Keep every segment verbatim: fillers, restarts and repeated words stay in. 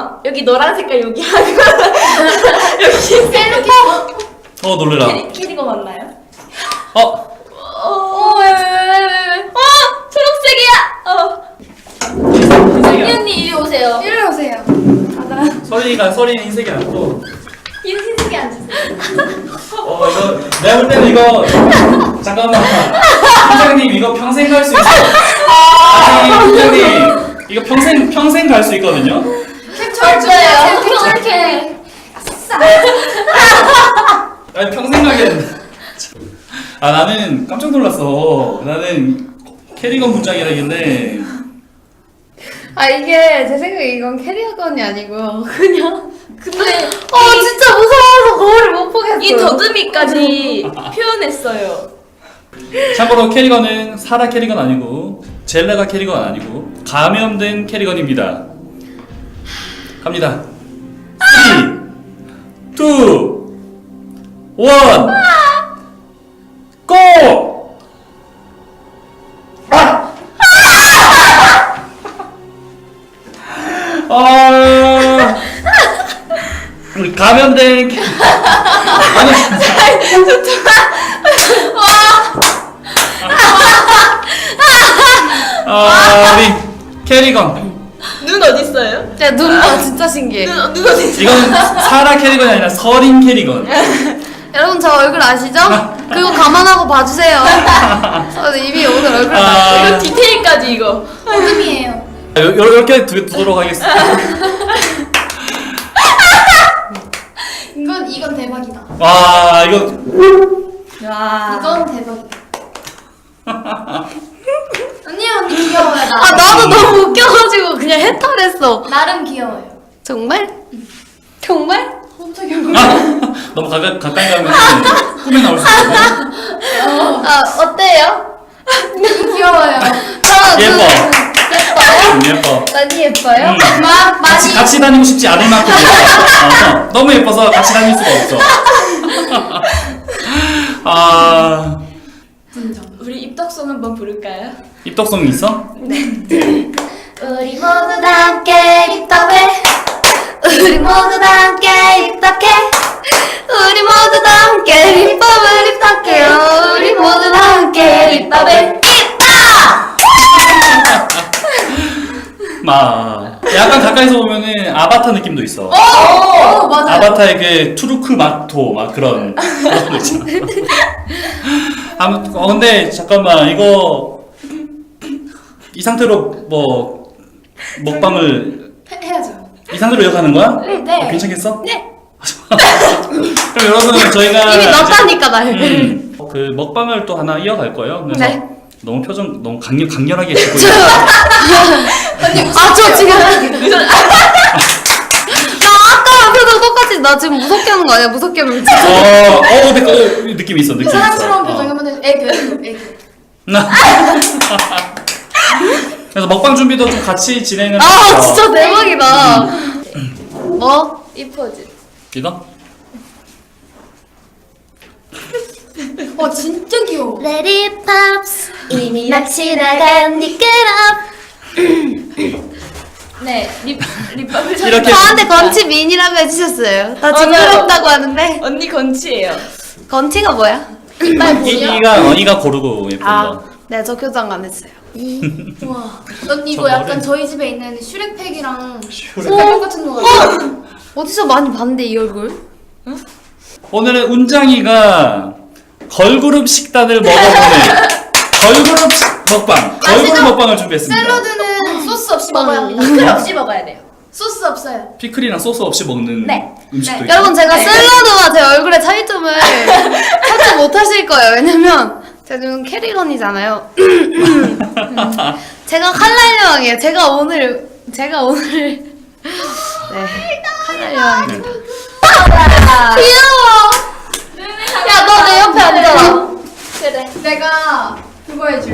캐리건 여기 노란 색깔 여기 하고 여기 셀로 어 놀래라. 캐리, 캐리건 맞나요? 어? 어, 왜, 왜, 왜, 왜, 왜? 어, 초록색이야. 어. 이 언니 이리 오세요. 이리 오세요. 서린이가 서린이 흰색이 아니고. 흰 흰색이 앉으세요. 어 이거 내가 볼 때는 이거 잠깐만. 팀장님 이거 평생 갈 수 있어. 아니 팀장님 이거 평생 평생 갈 수 있거든요. 캡처할 거예요. 캡처할게. 아니 평생 가겠는데. 아 나는 깜짝 놀랐어. 나는 캐리건 분장이라길래. 아 이게 제 생각에 이건 캐리어건이 아니고 그냥 근데 어 진짜 무서워서 거울을 못 보겠어요. 이 더듬이까지 표현했어요. 참고로 캐리건은 사라 캐리건 아니고 젤라가 캐리건 아니고 감염된 캐리건입니다. 갑니다. 삼, 이, 일, 고! 아! 아! 우리 감염된 캐... 아니 아, 우리 캐리건. 눈 어디 있어요? 야, 눈 봐, 진짜 신기해. 눈, 눈 어디 있어요? 이건 사라 캐리건이 아니라 서린 캐리건. 여러분 저 얼굴 아시죠? 그거 감안하고 봐주세요. 저 이미 오늘 얼굴 아. 다 이거 디테일까지 이거. 어둠이에요. 이렇게 두도록 하겠습니다. 이건 이건 대박이다. 와 이거 와. 이건 대박이다. 언니 언니 귀여워요. 나. 아 나도 너무 웃겨가지고 그냥 해탈했어. 나름 귀여워요. 정말? 정말? 아, 너무 가까, 가까이 가면 꿈에 나올 수 있거든요. 아 어때요? 귀여워요. 저 예뻐. 예뻐요? 음, 예뻐. 많이 예뻐요? 음. 마 같이, 많이 같이 다니고 싶지 않을 만큼 예뻐. 어, 너무 예뻐서 같이 다닐 수가 없어. 아 우리 입덕송 한번 부를까요? 입덕성이 있어? 우리 모두 다 함께 입덕해. 우리 모두 다 함께 입덕해. 우리 모두 다 함께 입법을 입덕해요. 우리 모두 다 함께 입법을 입덕! 막 약간 가까이서 보면은 아바타 느낌도 있어. 어 맞아. 아바타의 그 투르크 마토 막 그런 그런 거 있잖아. 아무튼 어 근데 잠깐만 이거 이 상태로 뭐 먹방을 해야죠. 이 상태로 이어가는 거야? 네. 어, 괜찮겠어? 네. 그럼 여러분 저희가 이미 넣었다니까 나. 음, 그 먹방을 또 하나 이어갈 거예요. 그래서 네. 너무 표정 너무 강렬 강렬하게 짓고 있어요. 아 저 지금 야 아까랑 표정 똑같이 나 지금 무섭게 하는 거 아니야? 무섭게 하면 진짜. 어, 어, 근데 그 느낌 있어, 느낌 있어. 사랑스러운 어. 표정 하면 애교 애교. 그래서 먹방 준비도 좀 같이 진행을. 아 해서. 진짜 대박이다. 뭐? 이 포즈. 이거? 와 진짜 귀여워. Let it pops 이미 막 지나간 미끄럽. 네, 립 립밤을 잘. 이렇게- 저한테 건치 미인이라고 해주셨어요. 다 맞아요. 징그럽다고 하는데 언니 건치예요. 건치가 뭐야? 이빨 이, 보여? 이가 어, 이가 고르고 예쁜 아, 거. 네, 저 교정 안 했어요. 와. 언니 저 이거 약간 머리. 저희 집에 있는 슈렉팩이랑 슈렉. 색깔 똑같은 거 같아요. 어디서 많이 봤는데 이 얼굴? 오늘은 운장이가 걸그룹 식단을 먹어보는 걸그룹 식- 먹방, 걸그룹 아시죠? 먹방을 준비했습니다. 샐러드는 소스 없이 먹어야 합니다. 피클 없이 먹어야 돼요. 소스 없어요. 피클이랑 소스 없이 먹는 네. 음식도 네. 있고. 여러분 제가 샐러드와 제 얼굴의 차이점을 찾지 못하실 거예요. 왜냐면 제가 지금 캐리건이잖아요. 제가 칼날 여왕이에요. 제가 오늘 제가 오늘 네 칼날 여왕입니다. 귀여워. 야 너 내 옆에 앉아라. 그래. 내가 그거 해줄게.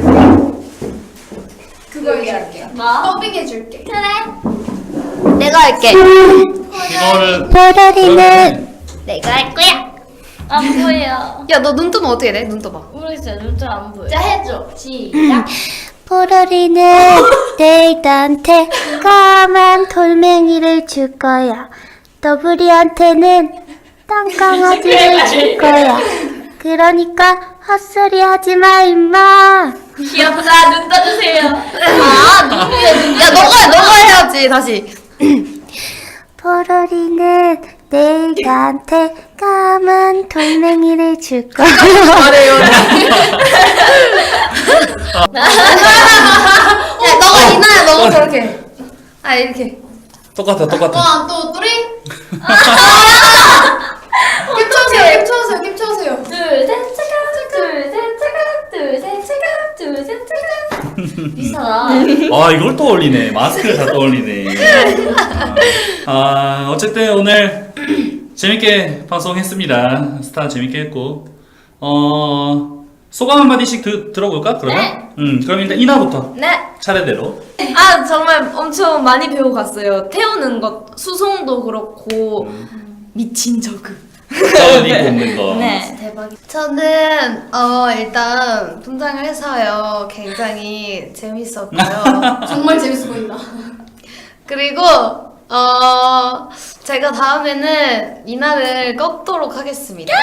그거 해줄게. 뭐? 더빙 해줄게. 내가 할게. 이거를 보라리는 내가 할 거야. 안 보여. 야 너 눈 뜨면 어떻게 돼? 눈 떠봐. 모르겠어요. 눈 잘 안 보여. 자 해줘. 시작. 포로리는 데이트한테 까만 돌멩이를 줄 거야. 더블이한테는 땅강아지를 줄 거야. 그러니까 헛소리 하지 마, 임마. 귀엽다. 눈 떠주세요. 아 누구야 누구? 야 너가 너가 해야지 다시. 포로리는 데이트한테 까만 돌멩이를 줄 거야. 잘해요. 야 너가 이나야 너가 그렇게. 아 이렇게. 똑같아 똑같아. 원, 투, 쓰리. 캡처하세요. 캡처하세요. 캡처하세요. 둘, 셋, 차가, 둘, 셋, 차가, 둘, 셋, 차가, 둘, 셋, 차가. 비슷하다. 아 이걸 떠올리네. 마스크를 다 떠올리네. 아 어쨌든 오늘 재밌게 방송했습니다. 스타 재밌게 했고 어 소감 한 마디씩 드, 들어볼까 그러면? 네. 음 그럼 일단 이나부터 네. 차례대로. 아 정말 엄청 많이 배워갔어요. 태우는 것, 수송도 그렇고 미친 저그. 쩌니 뽑는 거. 네. 대박이. 저는 어 일단 분장을 해서요 굉장히 재밌었고요. 정말 재밌어 보인다. 그리고 어 제가 다음에는 이날을 꺾도록 하겠습니다.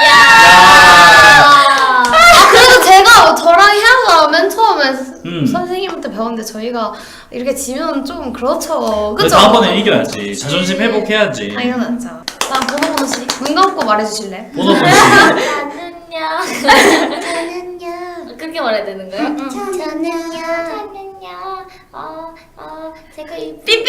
아 그래도 제가 저랑 희아가 맨 처음에 음. 선생님한테 배웠는데 저희가 이렇게 지면 좀 그렇죠. 근데 그죠? 다음번에 이겨야지. 자존심 회복해야지. 당연하죠. 다음 번호 번호 씨. 눈 감고 말해주실래? 번호 번호. 저는요. 저는요. 그렇게 말해야 되는 거예요? 저는요. 저는요. 어, 어, 제가 이 삐삐!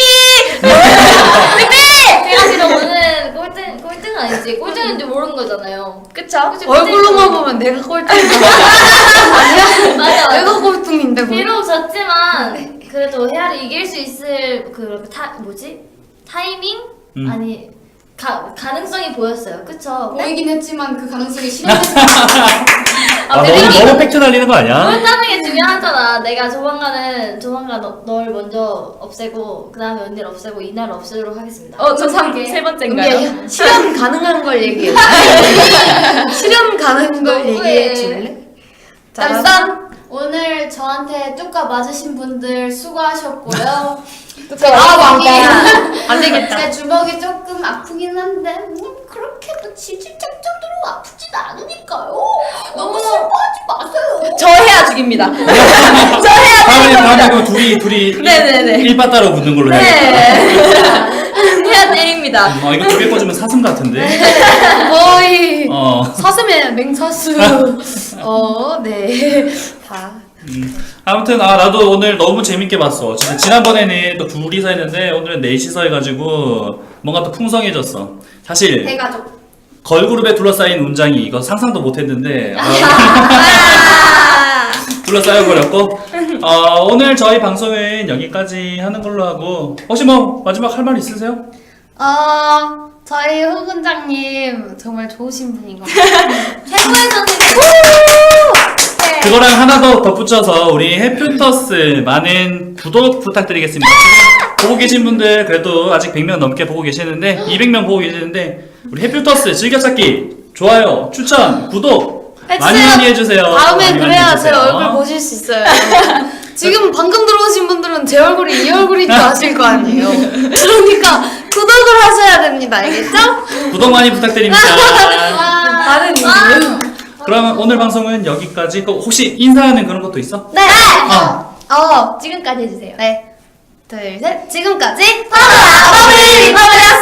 제가 지금 오늘 꼴등, 꼴등 아니지? 꼴등인지 모르는 거잖아요. 그쵸? 그치, 얼굴로만 그치. 보면 내가 꼴등이야. 맞아, 맞아. 내가 꼴등인데 뭐. 비록 졌지만 그래도 헤아를 이길 수 있을 그 타, 뭐지? 타이밍? 음. 아니 가, 가능성이 보였어요. 그쵸? 보이긴 했지만 그 가능성이 실현됐을 아, 너무 너무 팩트 날리는 거 아니야? 보였다는 게 중요하잖아. 내가 조만간은 조만간 너, 널 먼저 없애고 그 다음에 언니를 없애고 이날 없애도록 하겠습니다. 어, 저 삼, 그게- 세 번째인가요? 실현 가능한 걸 얘기해. 실현 가능한 걸 너무해. 얘기해 줄래? 자, 일단 오늘 저한테 뚜까 맞으신 분들 수고하셨고요. 아, 왕따. 안 되겠다. 제 주먹이 조금 아프긴 한데 음, 그렇게 뭐 지질적 정도로 아프진 않으니까요. 너무 슬퍼하지 마세요. 저 해야 죽입니다. 다음에 다음에 그 둘이 둘이 네네네. 일바따로 붙는 걸로 해. 네. 해야 때립니다. 아 이거 두개 꽂으면 사슴 같은데. 거의 어. 사슴의 맹사수. 어, 네. 다. 음. 아무튼 아 나도 오늘 너무 재밌게 봤어. 진짜 지난번에는 또 둘이서 했는데 오늘은 넷이서 해가지고 뭔가 또 풍성해졌어. 사실 대가족. 걸그룹에 둘러싸인 운장이 이거 상상도 못했는데 아, 아. 둘러싸여 버렸고 어, 오늘 저희 방송은 여기까지 하는 걸로 하고 혹시 뭐 마지막 할 말 있으세요? 어, 저희 후 군장님 정말 좋으신 분인 것 같아요. 최고의 선생님. 그거랑 하나 더 덧붙여서 우리 해퓨터스 많은 구독 부탁드리겠습니다. 지금 보고 계신 분들 그래도 아직 백 명 넘게 보고 계시는데 이백 명 보고 계시는데 우리 해퓨터스 즐겨찾기 좋아요 추천 구독 많이 많이 해주세요. 다음에 많이 많이 그래야 제 해주세요. 얼굴 보실 수 있어요. 지금 방금 들어오신 분들은 제 얼굴이 이 얼굴인 줄 아실 거 아니에요. 그러니까 구독을 하셔야 됩니다. 알겠죠? 구독 많이 부탁드립니다. 다른 이유. 그러면 오늘 방송은 여기까지. 그 혹시 인사하는 그런 것도 있어? 네. 어. 어. 지금까지 해주세요. 네. 둘, 셋. 지금까지 버블 리퍼블이었습니다.